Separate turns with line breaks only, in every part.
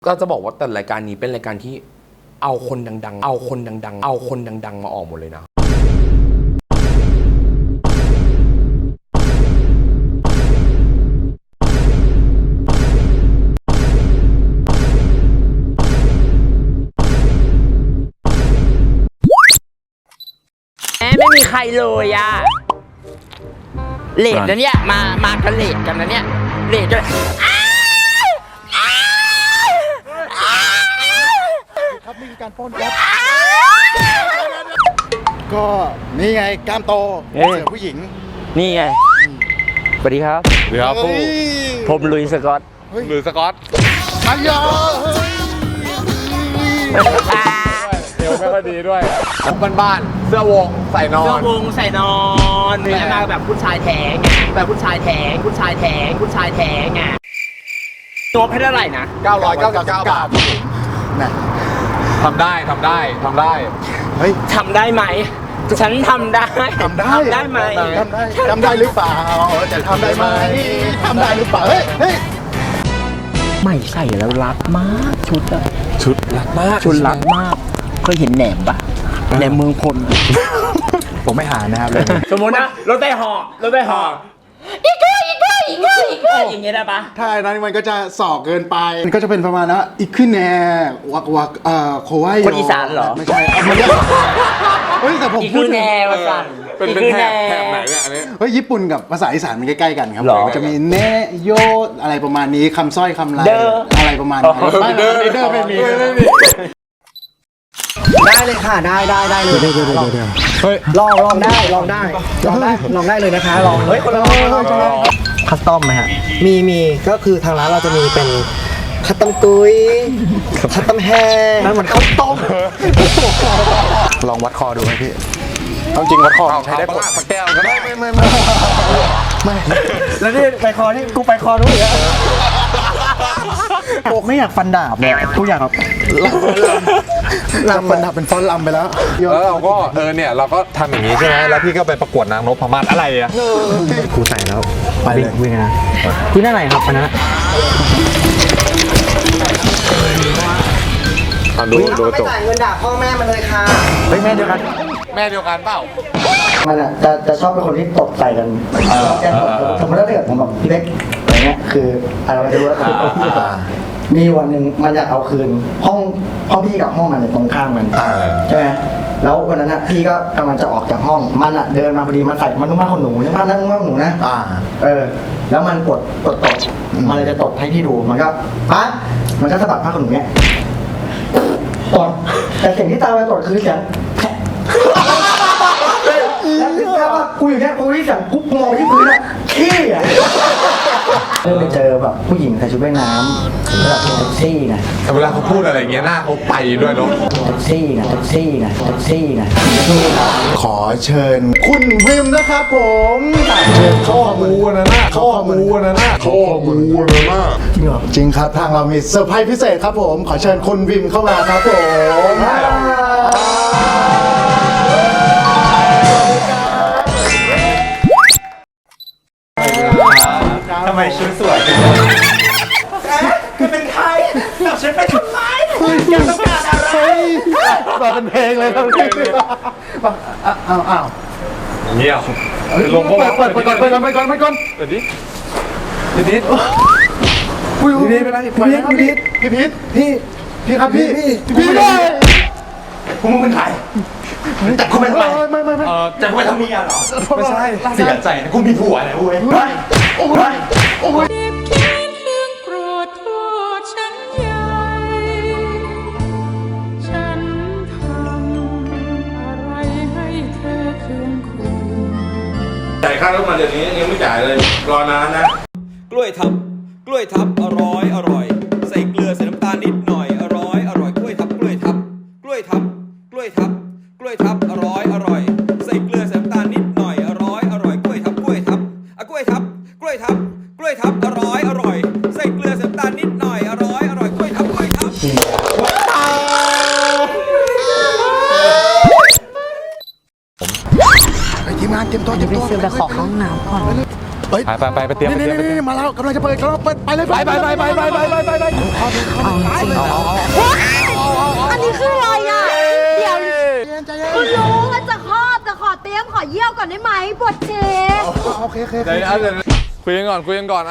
ก็จะบอกว่าแต่รายการนี้เป็นรายการที่เอาคนดังๆมาออกหมดเลยนะ
ไม่มีใครเลยอ่ะเลดนะเนี่ยมากันเลดกันนะเนี่ยเลดกัน
ครับมีการป้อนครับก็นี่ไงกล้ามโตเสือผู้หญิง
นี่ไงสวัสดีครับ
เดี๋ยว
ผมลุยสกอต
หรือสกอต
อันยอ
เอวไม่ค่อยดีด้วยบ้านๆเสื้อวงใส่นอน
ใส่นอนแล้วมาแบบผู้ชายแท้งแบบผู้ชายแท้งไงตัวให้เท่าไหร่นะ
999 บาท
นะ
ทำได้
เฮ้ย
ทำได้ไหมฉันทำได้ไหม
ทำได้หรือเปล่าจะทำได้ไหมทำได้หรือเปล่าเฮ้ย
ไม่ใส่แล้วรักมากชุด
รักมาก
เคยเห็นแหนมปะแหนมเมืองพล
ผมไม่หานะครับ
สมมตินะรถไฟหออีกอย่างเงี้ยได้ปะ
ถ้าอันนั้นมันก็จะส่อเกินไปมันก็จะเป็นประมาณนะอีกขึ้นแน่วักโควาย
คนอีสานเหรอ
ไม่ใช่เฮ้ยแต่ผมพูด
แน่ภาษา
เป็นแถบไหนเนี่ยอันนี้
เฮ้ยญี่ปุ่นกับภาษาอีสานมันใกล้ๆกันครับจะมีเนโยอะไรประมาณนี้คำสร้อยคำไรอะไรประมาณนี้เดอร์ไม่มี
ได้เลยค่ะได้เลยเดี๋ยว
เฮ้ย
ลองได้เลยนะคะลองเฮ้ยคนละคัสตอมไหมฮะมีก็คือทางร้านเราจะมีเป็นคัสตอมตุ้ยคัสตอมแห้งนั่นเหมือนคัสตอม
ลองวัดคอดูไหมพี่เอาจริงวัดคอใช้ได้ผล
สักแก้วก็ได้
ไม่
แล้วนี่ไปคอนี่กูไปคอนู้นเหรอโอ้ไม่อยากฟันดาบเนี่ยกูอยากแบบ
ลำมันดับเป็นฟอนต์ลำไปแล้ว
แล้วเราก็เนี่ยเราก็ทำอย่างนี้ใช่ไหมแล้วพี่ก็ไปประกวดนางนพมาศอะไรอ่ะ
ครูใส่แล้วไปเลยวิ่งนะที่นั่นไหนครับอันนั้น
ดูจบ
ไม่จ่ายเงินด่าพ่อแม่มันเลยค่ะแม่เดียวกัน
เปล่า
มันอ่ะจะชอบเป็นคนที่ตบใส่กันสมมติถ้าเกิดผมแบบพี่เล็กอะไรเงี้ยคืออะไรไม่รู้ว่ามีวันหนึ่งมันอยากเอาคืนห้องพี่กับห้องมันตรงข้ามกันใช่ไหมแล้ววันนั้นพี่ก็กำลังจะออกจากห้องมันอ่ะเดินมาพอดีมันใส่มันนุ่งผ้าขนหนูใช่ไหมนั่งนุ่งผ้าขนหนูนะแล้วมันกดตดมันเลยจะตดให้พี่ดูมันก็ปั๊บมันก็สะบัดผ้าขนหนูเนี้ยตดแต่เสียงที่ตามไปตดคือเสียงแล้วถึงแค่ว่ากูอยู่เนี่ยกูที่เสียงกูมองที่พื้นอะขี้อะเริ่มไปเจอแบบผู้หญิงใส่ชุดว่ายน้ำแบบแท็กซี่นะ
เวลาเขาพูดอะไรเงี้ยหน้าเขาไปด้วยเนาะ
แท็กซี่นะ
ขอเชิญคุณวิมนะครับผม
ข้อมูลนะจ
ริงเหรอจริงครับทางเรามีเซอร์ไพรส์พิเศษครับผมขอเชิญคุณวิมเข้ามาครับผม
ทำไมชุดสวยจังคุณเป็นใครฉันเป็นทำไมอยากต้องการอะไร
มาเป็นเพลงเลยครับอ้าว
เงียบลงไปก่อนเดี๋ยวดิ
พี่เป็นไรพี่ครับพี่
คุณเป็นใครแต่คุณเป็นใคร
ไม่
จะคุณทำเมียเหรอ
ไม่ใช่
เสียใจนะคุณมีผัวนะเว้ยโอ้ย
จ่ายค่ารถมาเดี๋ยวนี้ยังไม่จ่ายเลยรอนานนะ
กล้วยทับอร่อยใส่เกลือใส่น้ำตาลนิดหน่อยอร่อยกล้วยทับอร่อยใส่เกลือใส่น้ำตาลนิดหน่อยอร่อยกล้วยทับอร่อยใส่เกลือใส่น้ำตาลนิดหน่อยอร่อยกล้วยทับ
ทีมงานเตรียมตัว
ไปซื้อไปขอห้องน้ำก่อน
เฮ้ย
ไปเตรียม
นี่มาแล้วกำลังจะเปิดไปเลยไป
อันนี้คืออะไรอ่ะ เดี๋ยวคุณรู้ว่าจะคลอดแต่ขอเตรียมขอเยี่ยวก่อนได้ไหมปวดเชฟ
โอเค
เดี๋ยวคุยกันก่อนเอาคุยกันก่อน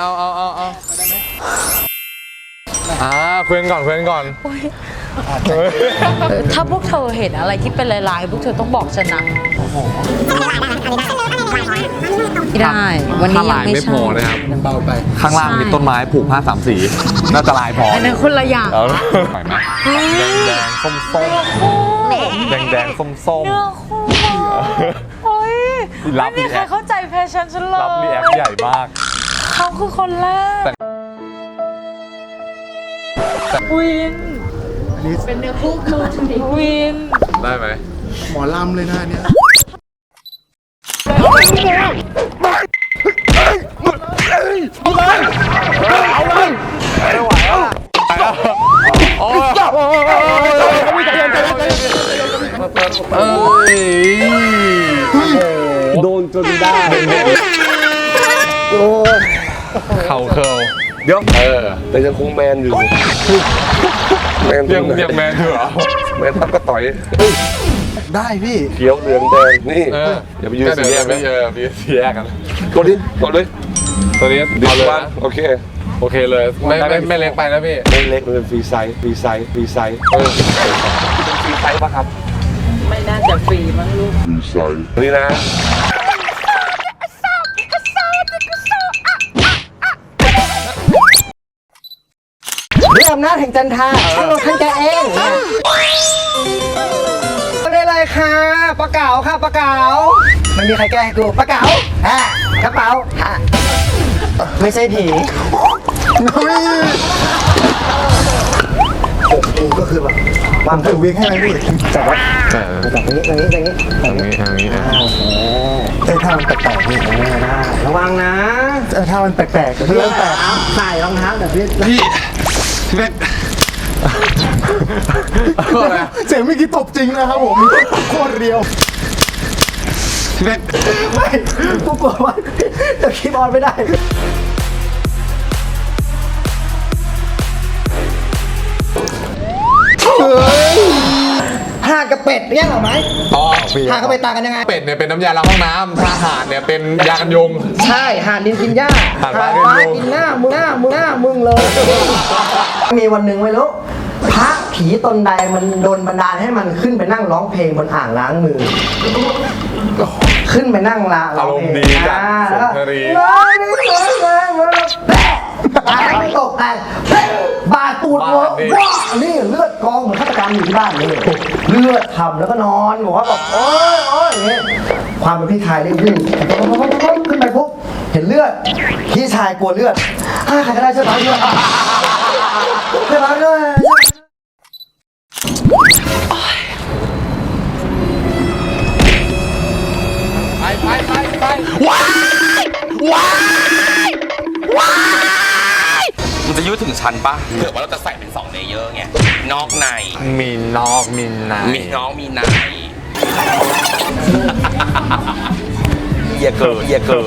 ถ้าพวกเธอเห็นอะไรที่เป็นลายๆพวกเธอต้องบอกฉันนะไม่ได้ วันนี้ยังไม่ใช่
มันเบาไป
ข้างล่างมีต้นไม้ผูกผ้า3 สีน่าจะลายพอ
อันนั้นคนละอย่าง
เอาไหวไหมแดงส้มแดงส้ม
เนื้อคู่โอ้ย
รั
ไม่
บ
มีใครเข้าใจแฟชั่นฉันเลย
รับรีแอคใหญ่มาก
เขาคือคนแรกวินเป็นเนื้อคู่วิน
ได้ไหม
หมอลำเลยนะเนี่ย
โดนจนได้เข่าเคิลเดี๋ยว
แต่ยังคงแมนอยู่ แมน
ยังแมนอยู่เหรอ
แมนทับก็ต่อย
ได้พี่
เขียวเหลืองแดงนี่อย่าไปยืนสีแยก
ไม่
นะ
สีแยกกัน
กดเลย
ตัวนี้
ดิ
เอาเลย
บ้านโอเค
โอเคเลยไม่เล็กไปนะพี่
ไม่เล็กมันเป็นฟรีไซส์เป็นฟรีไซส์ป่ะครับ
ไม่น่าจะฟรีมั้งลูก
นี่นะ
ด้วยอำนาจแห่งจันทราท่านลงท่านแกเองได้เลยค่ะปลาเก๋าค่ะปลาเก๋าไม่มีใครแก้ให้กูปลาเก๋ากระเป๋าไม่ใช่ผีกูก็คือแบบวางถือวิ่งให้ไหมพี่จับไว้จับตรงนี้ท่ามันแปลกๆพี่ระวังนะท่ามันแปลกๆเรื่องแปลกใส่รองเท้าแบบพี่
เสียงเมื่อกี้ตบจริงนะครับผมโคตรเรียว
ไม่กูกลัวว่าจะคีย์บอร์ดไม่ได้ห่านกับเป็ดเนี่ยหรอไหม
อ๋อ
ห่านกับเป็ดต่างกันยังไง
เป็ดเนี่ยเป็นน้ำยาล้างห้องน้ำถ้าห่านเนี่ยเป็นยากันยุง
ใช่ห่านดินกินหญ้า
ห่าน
ฟ้า
ฟ้ากินยุง
กินหน้ามึงเลย มีวันหนึ่งไม่รู้พระผีตนใดมันโดนบันดาลให้มันขึ้นไปนั่งร้องเพลงบนอ่างล้างมือ ขึ้นไปนั่งร้อง
อารมณ์ดีจัดสุนทรี
แปะตายไม่ตกแต่บาดตูดหัวว้านี่เลือดกองเหมือนฆาตกรรมอยู่ที่บ้านนี่เลือดทำแล้วก็นอนบอกว่าแบบโอ๊ยอย่างเงี้ยความเป็นพี่ชายเร่งขึ้นขึ้นไปปุ๊บเห็นเลือดพี่ชายกลัวเลือดใครก็ได้ช่วยปั๊มเลือดช่วยปั๊มเลือด
มันจะยืดถึงชั้นปะเผื่อว่าเราจะใส่เป็น2เลเยอร์ไงนอกใน
มีนอกมีใน
มีน้องมีในอย่าเกิด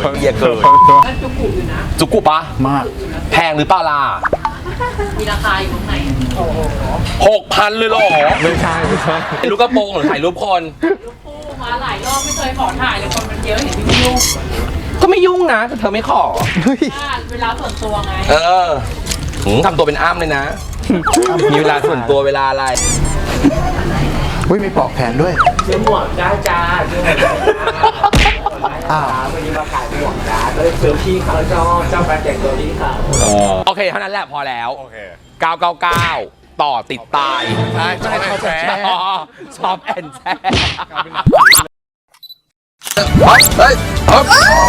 จุกุปะมากแพงหรือเปล่าล่ะ
มีราคาอยู่ข้างใน
6,000เลยเหรอ
ไม่ใช่
รูปกระโปรงหรือถ่ายรูปคน
คู่มาหลายรอบไม่เคยขอถ่ายเลยคนมันเยอะเห็นพี่ยุ่ง
ก็ไม่ยุ่งนะแต่เธอไม่ขอ
เวลาส่วนตัวไง
ทำตัวเป็นอ้ำเลยนะ มีเวลาส่วนตัวเวลาอะไร
อุ้ยมีปลอกแขนด้วย
ซื้อหมวกได้จ้าซื้อหมวกได้วันนี้มาขายหมวกจ้าก็เลยซื้อพี่เขาเจ้าการแต่งตัวพี่เขา
โอเคเท่านั้นแหละพอแล้ว
โอเค
999 ต่อติดตาย
ใช่ชอบแชร์
ชอบแอนแชร์
เฮ้ยโอ้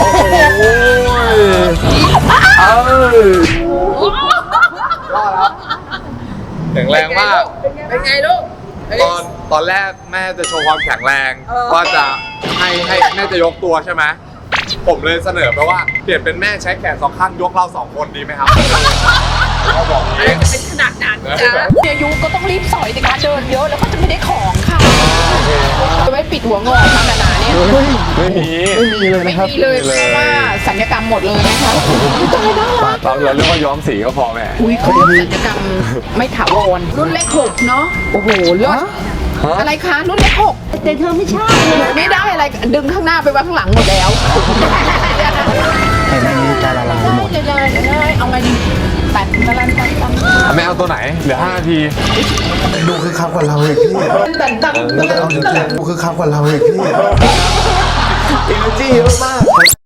แข็งแรงมาก เป็นไงลูก ตอนแรกแม่จะโชว์ความแข็งแรงว่าจะให้แม่จะยกตัวใช่ไหม ผมเลยเสนอไปว่าเปลี่ยนเป็นแม่ใช้แขน2 ข้างยกเรา2 คนดีไหมครับเขาบอกเอง
เป็นขนาดนั้นจ้ะอายุก็ต้องรีบสอยในการเดินเยอะแล้วก็จะไม่ได้ของค่ะจะไม่เปปิดหัวงอกทำหนาๆเนี่ย
ไม่มี
ไม่มีเลย
ไม่
นะครับ
มีเลยเพราะว่าสัญญกรรมหมดเลยนะคะตายน่ารัก
เราเรียกว่าย้อมสีก็พอแม่
อุ้ยเขาเรียกสัญญกรรมไม่ถาวรรุ่นเลข6เนาะโอ้โหเลิศอะไรคะรุ่นเลข6
แต่เธอไม่ใช่
ไม่ได้อะไรดึงข้างหน้าไปไว้ข้างหลังหมดแล้ว
เห็นอย่างนี้ใจละลายหมด
เดี๋ยวเอาไงดีตัดตะลันตัดตัด
แม่เอาตัวไหน เหลือ5 นาที
ดูคือคักกว่าเราอีกพี่
ตัดตัด
เอาจริงๆดูคือคักกว่าเราอีกพี่
energy เยอะมาก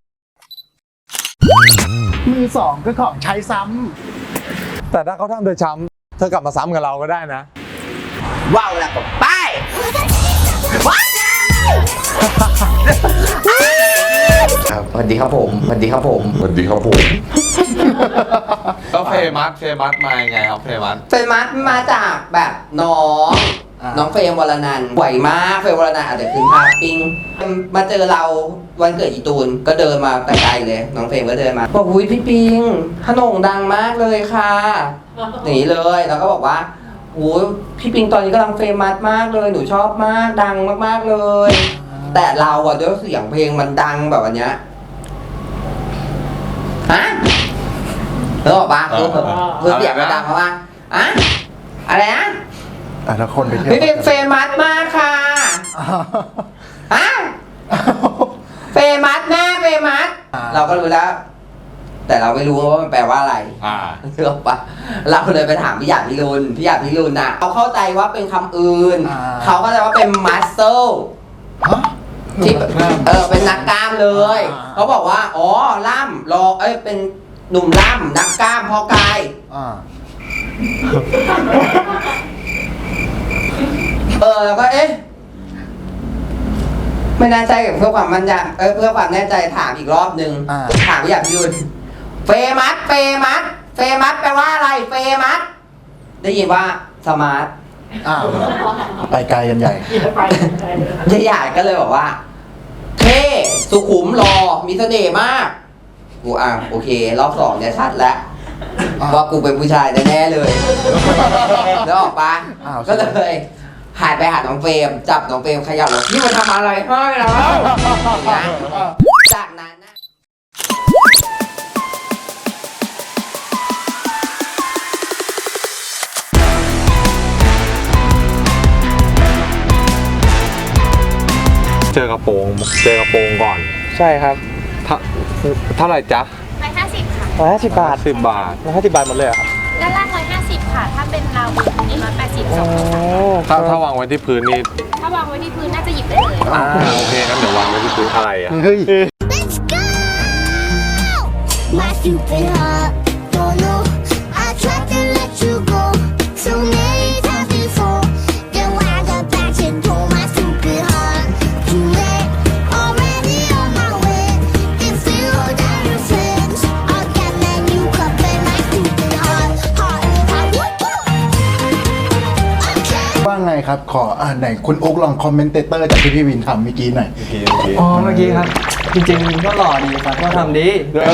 มือสองก็ของใช้ซ้
แต่ถ้าเขาทำเธอช้ำเธอกลับมาซ้ำกับเราก็ได้นะ
ว้าวแล้วก็ไป
ครับสวัสดีครับผมสวัสดีครับผม
สวัสดีครับผม ก็เฟมัสมายังไงครับเฟมัส
เฟรมมัสมาจากแบบน้องเฟรมวรนันท์ไหวมากเฟรมวรนันท์อาจจะคืนภาพปิ้งมาเจอเราวันเกิดอีตูนก็เดินมาแต่ไกลเลยน้องเฟรมก็เดินมาบอกอุ้ยพี่ปิงขนมดังมากเลยค่ะอย่างนี้เลยแล้วก็บอกว่าโอ้ยพี่ปิงตอนนี้กำลังเฟรมมัสมากเลยหนูชอบมากดังมากๆเลย แต่เราอะด้วยเสียงเพลงมันดังแบบอันเนี้ยฮะแล้วบอกว่าคือเสียงมันดังเพราะว่าอะอะไรนะ
ำแต่ละคนไปเที่ยว
พี่เป็นเฟมัสมากค่ะฮะเฟมัสแน่เฟมัสเราก็รู้แล้ว แต่เราไม่รู้ว่ามันแปลว่าอะไรเชื่อปะเราเลยไปถามพี่หยาดพี่รุนน่ะเขาเข้าใจว่าเป็นคำอื่นเขาก็จะว่าเป็นมัสเซลที่เป็นนักกล้ามเลยเขาบอกว่าอ๋อล่ำรอเป็นหนุ่มล่ำนักกล้ามพอกายแล้วก็ไม่แน่ใจเพื่อความมั่นใจเพื่อความแน่ใจถามอีกรอบนึงถามพี่หยาดพี่รุนเฟมัสแปลว่าอะไรเฟมัสได้ยินว่าสมาร์ท
ไปไกลกันใหญ่
พี่หยาดก็เลยบอกว่าเท่สุขุมหล่อมีเสน่ห์มากกูโอเครอบ2เนี่ยชัดแล้วว่ากูเป็นผู้ชายแน่ๆเลยแล้วออกปะก็เลยหันไปหาน้องเฟรมจับน้องเฟรมขยับแล้วนี่มันทำอะไรให้เราจากนั้นนะ
เจอกระโปรงก่อน
ใช่ครับ
เท่าไหร่จ๊ะ
150 ค่ะ
150 บาท150 บาท150 บาทหมดเลยครับ
ด้านล่าง 150 ค่ะ ถ้าเป็นราวบนนี้180 2
ถ้าวางไว้ที่พื้นนี่
ถ้าวางไว้ที่พื้นน่าจะหยิบได้เลย
โอเคงั้นเดี๋ยววางไว้ที่พื้นอะไรอ่ะ
เฮ้ย
My stupid heart don't know I tried to let you go so many times before then when I got back and told my stupid heart too late already on my way if you hold down your friends I'll get that new cup and my stupid heart okay
ว่าไงครับขอไหนคุณอุ๊กลองคอมเมนเตเตอร์จากที่พี่วินทำเมื่อกี้หน่อย
อ๋อ เมื่อกี้ครับ จริงๆก็หล่อดีครับก็ทำดี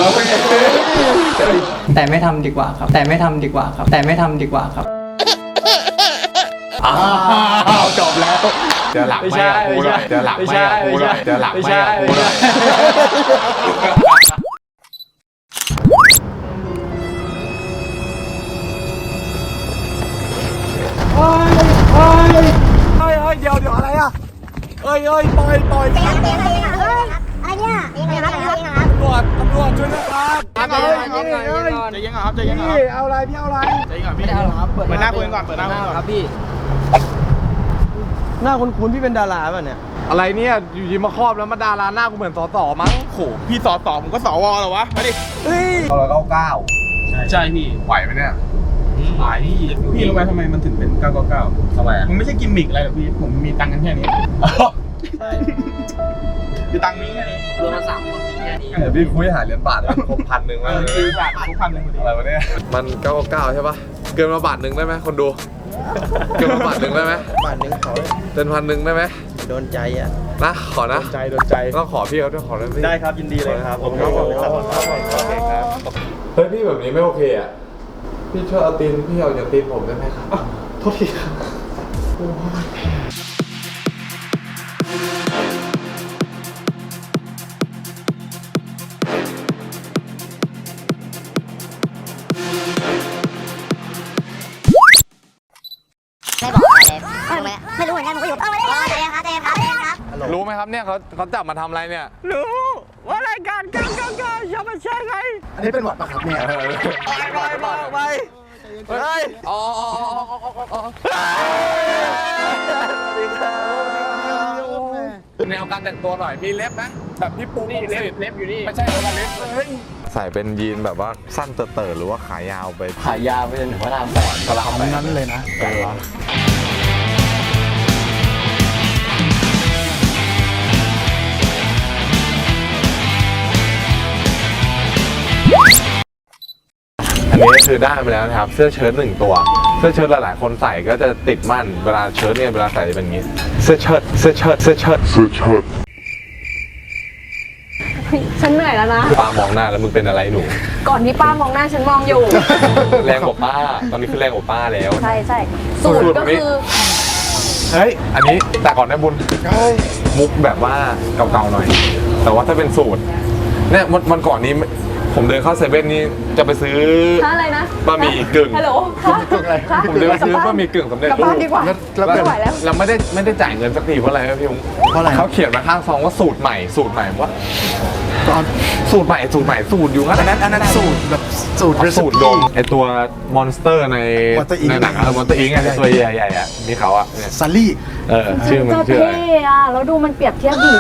แต่ไม่ทำดีกว่าครับ แต่ไม่ทำดีกว่าครับ
จบแล้ว
เดี๋ยวหลักไม่กับกูหน่อยเดี๋ยวหลักไม่กับกูหน่อยเดี๋ยวหลักไม่กับกูหน่อยเดี๋ยวอะไรอ่ะปล่อยตำรวจช่วยนะครับใจเย็นครับพี่เอาอะไรพี่เอาอะไรใจเย็นครับพี่เปิดหน้าคุยก่อนครับพี่หน้าคุ้นๆพี่เป็นดาราป่ะเนี่ยอะไรเนี่ยอยู่ดีมาครอบแล้วมาดาราหน้ากูเหมือนสสมั้งโหพี่สสผมก็สวเหรอวะมาดิเฮ้ย199ใช่พี่ไหวไหมเนี่ยไหวพี่รู้ไหมทำไมมันถึงเป็น999ทำไมมันไม่ใช่กิมมิกอะไรหรอกพี่ผมมีตังค์กันแค่นี้ใช่คือตังค์นี้แค่นี้รวมกัน3 คนมีแค่นี้เดี๋ยวพี่คุยหาเหรียญบาทเลยครบ1,000แล้วบาทครบ1,000อะไรวะเนี่ยมัน999ใช่ปะเกินมา1 บาทได้ไหมคนดูเกินมา1 บาทได้ไหม1 บาทขอเป็น1,000ได้ไหมโดนใจอ่ะนะขอนะโดนใจต้องขอพี่เขาด้วยขอได้ครับยินดีเลยครับผมครับเฮ้ยพี่แบบนี้ไม่โอเคอ่ะพี่ช่วยเอาตีนพี่เอาอย่างตีนผมได้ไหมครับโทษทีครับ
ไม่บอกอะไรเลยไม่รู้เหมือนกันผมก็อยู่ใจเย็นครับใจเย็นครับใจเย็นครับ
รู้ไหมครับเนี่ยเขาจับมาทำอะไรเนี่ย
รู้ว่ารายการกันอย่ามาแช่ไง
อันนี้เป็นหวัดปะครับเนี่ย
ไปเฮ้ย
อ๋อ แนวการแต่งตัวหน่อย มีเล็บไหมแบบพี่ปูนี่เล็บอยู่นี่ ไม่ใช่เล็บใส่เป็นยีนแบบว่าสั้นเต๋อหรือว่าขายาวไป
ขายาวไปจนถึงพระรามแปด
กระลาแปด
นั้นเลยนะ
อันนี้คือได้มาแล้วนะครับ เสื้อเชิ้ต1 ตัว เสื้อเชิ้ตหลายๆคนใส่ก็จะติดมั่น เวลาเชิ้ตเนี่ยเวลาใส่จะเป็นอย่างนี้ เสื้อเชิ้ต
ฉันเหนื่อยแล้วนะ
ป้ามองหน้าแล้วมึงเป็นอะไรหนู
ก่อนที่ป้ามองหน้าฉันมองอยู่
แรงกว่าป้า ตอนนี้คือแรงกว่าป้าแล้ว
ใช่ใช่สูตรก็คือ
เฮ้ย อันนี้แต่ก่อนนะบุญมุกแบบว่าเก่าๆหน่อย แต่ว่าถ้าเป็นสูตรเนี่ยวันก่อนนี้ผมเดินเข้าเซเว่นนี่จะไปซื้อ
อะไรนะ
บะหมี่กึ่ง
ฮัลโหลคะ
ผมเดินไปซื้อบะหมี่กึ่งสำเร็จ
กลับ
รู
บ้าน
ป
ดีกว่า ไม่ไหวแล้ว
เราไม่ได้จ่ายเงินสักทีเพราะอะไรครับพี่มุก
เพราะอะไร
เขาเขียนมาข้างซองว่าสูตรใหม่ว่าสูตรใหม่สูตรอยู่งั้น
อันนั้นสูตรแบบสูตร
สูตรดมไอตัวมอนสเตอร์ใน
Monster Inc
ในหนังมอนสเตอร์อิงไงไอ้ตัวใหญ่ๆอ่ะมีเขาอ่ะเนี่ย
ซัลลี่
ชื่อมัน
จะ
ชื่ออะไร
เท่อะแล้วดูมันเปรียบเทียบดิ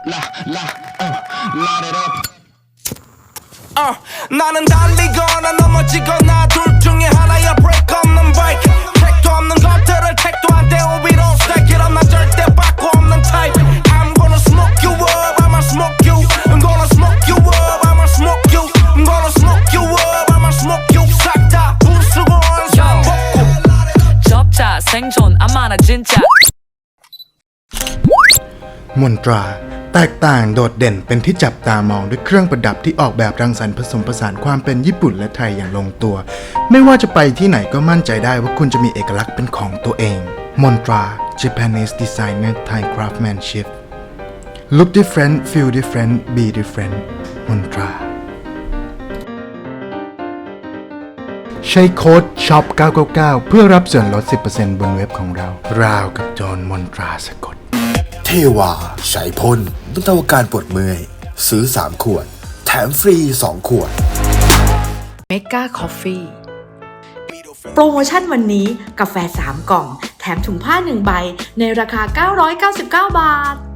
나는 달리거나 넘어지거나 둘 중에 하나야 break 없는 break 택도 없는 것들을 택도 안 돼 we don't stack it up 나 절대 바꿔 없는 type I'm gonna smoke you up I'ma smoke you I'm gonna smoke you up I'ma smoke you I'm gonna smoke you up I'ma smoke you 싹다 부수고 원상복구
접자 생존 아마나 진짜
มนตราแตกต่างโดดเด่นเป็นที่จับตามองด้วยเครื่องประดับที่ออกแบบรังสรรค์ผสมผสานความเป็นญี่ปุ่นและไทยอย่างลงตัว ไม่ว่าจะไปที่ไหนก็มั่นใจได้ว่าคุณจะมีเอกลักษณ์เป็นของตัวเองมนตรา Japanese Designer Thai Craftsmanship Look different feel different be different มนตราใช้โค้ด shop 999เพื่อรับส่วนลด 10% บนเว็บของเราราวกับโจรมนตราสะกด
เทวาใช้พ่นบรรเทาอาการปวดเมื่อยซื้อ3 ขวดแถมฟรี2 ขวด
Mega Coffee
โปรโมชั่นวันนี้กาแฟ3 กล่องแถมถุงผ้า1 ใบในราคา 999 บาท